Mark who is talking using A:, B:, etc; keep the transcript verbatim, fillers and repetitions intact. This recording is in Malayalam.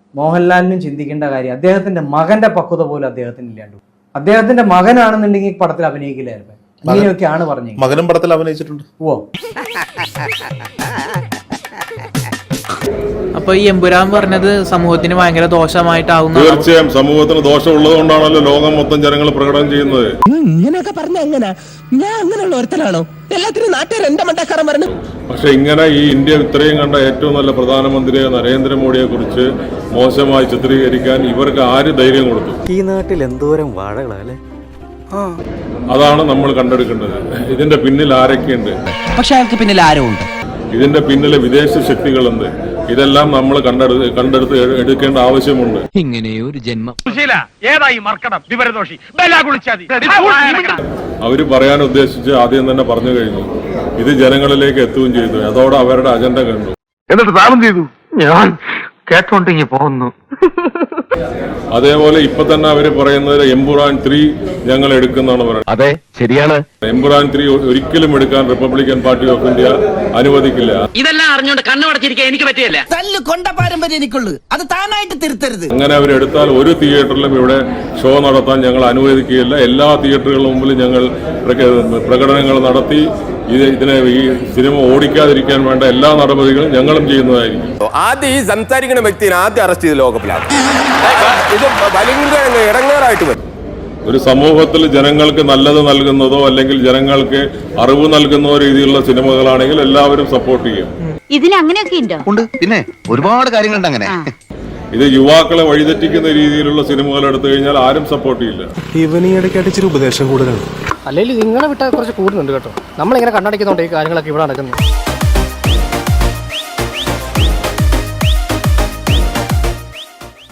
A: മോഹൻലാലിനും ചിന്തിക്കേണ്ട കാര്യം അദ്ദേഹത്തിന്റെ മകന്റെ പക്വത പോലും അദ്ദേഹത്തിന് ഇല്ലാണ്ട്. അദ്ദേഹത്തിന്റെ മകനാണെന്നുണ്ടെങ്കിൽ പടത്തിൽ അഭിനയിക്കില്ലായിരുന്നു. ഇങ്ങനെയൊക്കെയാണ് പറഞ്ഞത്.
B: മകനും പടത്തിൽ അഭിനയിച്ചിട്ടുണ്ട്.
A: ഓ
C: അപ്പൊ ഈ എമ്പുരാൻ പറഞ്ഞത് സമൂഹത്തിന് ഭയങ്കര ദോഷമായിട്ടാവുന്ന.
B: തീർച്ചയായും സമൂഹത്തിന് ദോഷം ഉള്ളത് കൊണ്ടാണല്ലോ ലോകം മൊത്തം ജനങ്ങൾ പ്രകടനം ചെയ്യുന്നത്.
D: ഇങ്ങനെയൊക്കെ പറഞ്ഞ എങ്ങനെ? ഞാൻ അങ്ങനെയുള്ള ഒരുത്തനാണോ? എല്ലാത്തിനും നാട്ടുകാർ എന്റെ മണ്ടക്കാരൻ പറഞ്ഞു.
B: പക്ഷെ ഇങ്ങനെ ഈ ഇന്ത്യ ഇത്രയും കണ്ട ഏറ്റവും നല്ല പ്രധാനമന്ത്രിയെ നരേന്ദ്രമോദിയെ കുറിച്ച് മോശമായി ചിത്രീകരിക്കാൻ ഇവർക്ക് ആര് ധൈര്യം കൊടുത്തു?
E: ഈ നാട്ടിൽ എന്തോരം വാഴകളല്ലേ.
B: അതാണ് നമ്മൾ കണ്ടെടുക്കേണ്ടത്. ഇതിന്റെ പിന്നിൽ ആരൊക്കെയുണ്ട്?
D: പക്ഷെ അയാൾക്ക് പിന്നിൽ ആരോ ഉണ്ട്.
B: ഇതിന്റെ പിന്നിലെ വിദേശ ശക്തികളുണ്ട്. ഇതെല്ലാം നമ്മൾ കണ്ടെടുത്ത് കണ്ടെടുത്ത് എടുക്കേണ്ട ആവശ്യമുണ്ട്.
D: ഇങ്ങനെ ഒരു ജന്മം
B: അവര് പറയാൻ ഉദ്ദേശിച്ച് ആദ്യം തന്നെ പറഞ്ഞു കഴിഞ്ഞു. ഇത് ജനങ്ങളിലേക്ക് എത്തുകയും ചെയ്തു. അതോടെ അവരുടെ അജണ്ട കണ്ടു.
F: എന്നിട്ട് താരം ചെയ്തു. ഞാൻ കേട്ടോണ്ടെങ്കിൽ പോകുന്നു.
B: അതേപോലെ ഇപ്പൊ തന്നെ അവര് പറയുന്നത് എംപുരാൻ ത്രീ ഞങ്ങൾ എടുക്കുന്നതാണ് പറയുന്നത്.
F: അതെ, ശരിയാണ്.
B: എംപുരാൻ ത്രീ ഒരിക്കലും എടുക്കാൻ റിപ്പബ്ലിക്കൻ പാർട്ടി ഓഫ് ഇന്ത്യ അനുവദിക്കില്ല.
G: ഇതെല്ലാം അറിഞ്ഞുകൊണ്ട് കണ്ണുടച്ചിരിക്കാൻ എനിക്ക് പറ്റില്ല.
D: തല്ല് കൊണ്ട പാരമ്പര്യം എനിക്കുള്ളൂ. അത് താനായിട്ട് തിരുത്തരുത്.
B: അങ്ങനെ അവരെടുത്താൽ ഒരു തിയേറ്ററിലും ഇവിടെ ഷോ നടത്താൻ ഞങ്ങൾ അനുവദിക്കുകയില്ല. എല്ലാ തിയേറ്ററുകളുടെ മുമ്പിൽ ഞങ്ങൾ പ്രകടനങ്ങൾ നടത്തി ഇത് ഇതിനെ ഈ സിനിമ ഓടിക്കാതിരിക്കാൻ വേണ്ട എല്ലാ നടപടികളും ഞങ്ങളും ചെയ്യുന്നതായിരിക്കും.
H: ആദ്യം ഈ സംസാരിക്കുന്ന വ്യക്തിയെ ആദ്യം അറസ്റ്റ് ചെയ്ത് ലോകപ്പിലാണ്. ഇത് ഭയങ്കര ഇടങ്ങേറായിട്ട് വരും.
B: ഒരു സമൂഹത്തിൽ ജനങ്ങൾക്ക് നല്ലത് നൽകുന്നതോ അല്ലെങ്കിൽ ജനങ്ങൾക്ക് അറിവ് നൽകുന്നതോ രീതിയിലുള്ള സിനിമകളാണെങ്കിൽ എല്ലാവരും സപ്പോർട്ട് ചെയ്യും.
I: ഇതിന് അങ്ങനെയൊക്കെ ഉണ്ട്.
F: പിന്നെ ഒരുപാട് കാര്യങ്ങളുണ്ട് അങ്ങനെ.
B: ഇത് യുവാക്കളെ വഴിതെറ്റിക്കുന്ന രീതിയിലുള്ള സിനിമകൾ എടുത്തു കഴിഞ്ഞാൽ ആരും സപ്പോർട്ട് ചെയ്യില്ല.
E: ഇവന് ഈ ഇടയ്ക്കായിട്ട് ഇച്ചിരി ഉപദേശം കൂടുതലാണ്.
J: അല്ലെങ്കിൽ നിങ്ങളെ വിട്ടാൽ കുറച്ച് കൂടുതലുണ്ട് കേട്ടോ. നമ്മളിങ്ങനെ കണ്ണടയ്ക്കുന്നുണ്ട് ഈ കാര്യങ്ങളൊക്കെ ഇവിടെ നടക്കുന്നത്.